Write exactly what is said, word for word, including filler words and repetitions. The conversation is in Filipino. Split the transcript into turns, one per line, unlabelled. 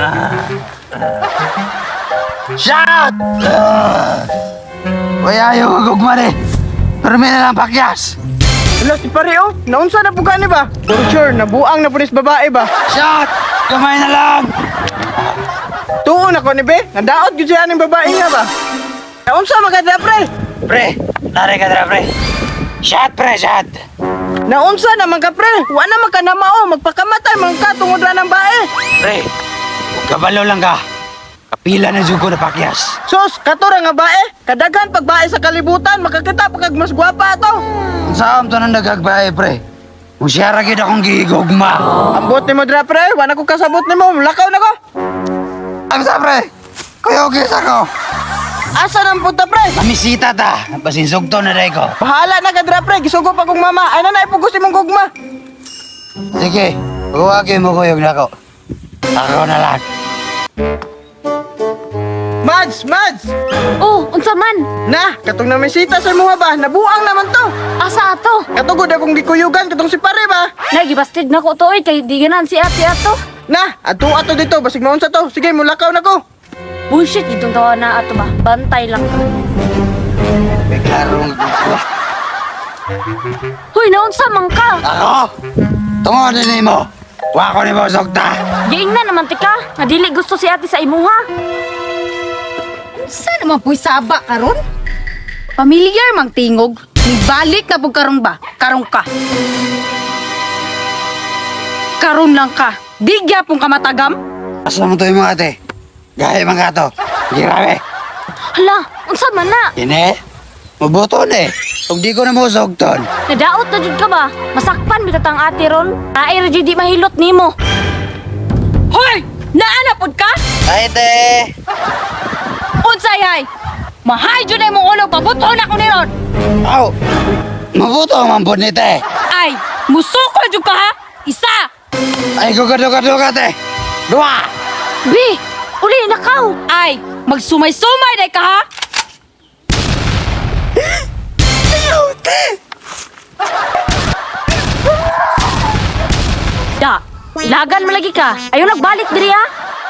Shot! Uy, ayaw gugma ni. Pero may nalang pakyas.
Wala si pare oh, naunsa na po gani ba? For sure, nabuang na pulis babae ba?
Shot! Kamay na lang!
Tuon ako ni be, nadaot gyud siya ning babae nga ba? Naunsa maganda pre?
Pre, nari ka dra, pre. Shot, pre, shot!
Naunsa naman ka pre? Wa na man ka na mao, magpakamatay man ka tungod ra ng bae.
Pre, huwag kabalo lang ka. Kapila na jugo na pakyas.
Sus, katura nga bae, kadaghan pag bae sa kalibutan, makakita pag mas gwapa ato.
Ang saan to nang nagagbae, pre? Kung siya ragid akong gigugma.
Ambot ni mo dra pre, wa na ko kasabot nimo, lakaw na ko.
Ang sa, pre? Kuyogis ako.
Asa nang punta pre?
Mamisita ta. Pasinsugto na day ko.
Bahala na ka dra pre, gisugo pa kong mama. Ay na na ipugos imong gugma.
Sige, huwagin mo kuyog na ako. Ako na lang.
Mads, Mads!
Oh, unsa man?
Na, katong namisita sa mga ba, nabuang naman to.
Asa ato?
Katugod akong gikuyugan, katong si pare ba?
Nagibastig na ko to oy kay di ganan si ate ato.
Na, ato ato dito, basig maunsa to. Sige, mulakaw na ko.
Bullshit itong tawa na ato ba? Bantay lang.
May klarong ako.
Hoy, naunsa man ka?
Ako? Tungod din mo. Wa ko ni mo sugta.
Giing na naman tika. Nadili gusto si ate sa imuha.
Saan naman po'y saba karon? Familiar mang tingog. Nibalik na po karong ba? Karong ka. Karon lang ka. Digya pong kamatagam.
Asa mo to yung mga ate? Gaya mga to. Grabe.
Hala, unsa man na?
Ine, mabuto na eh. Kung di ko na mo sugton.
Nadaot na jud ka ba? Masakpan bitat ang ate ron. Ay ra jud di mahilot nimo.
Hoy! Naana pod ka?
Ay, te.
Unsay hay? Mahay jud na imong ulo pabuto na ko ni ron.
Aw, mabuto ang mampun ni te.
Ay, musuko jud ka ha? Isa.
Ay, gugad-gugad-gugad te. Dua.
Bi, uli nakaw.
Ay, magsumay-sumay day ka ha?
Ayaw, te.
Da, ilagan mo lagi ka. Ayaw nagbalik diri ha.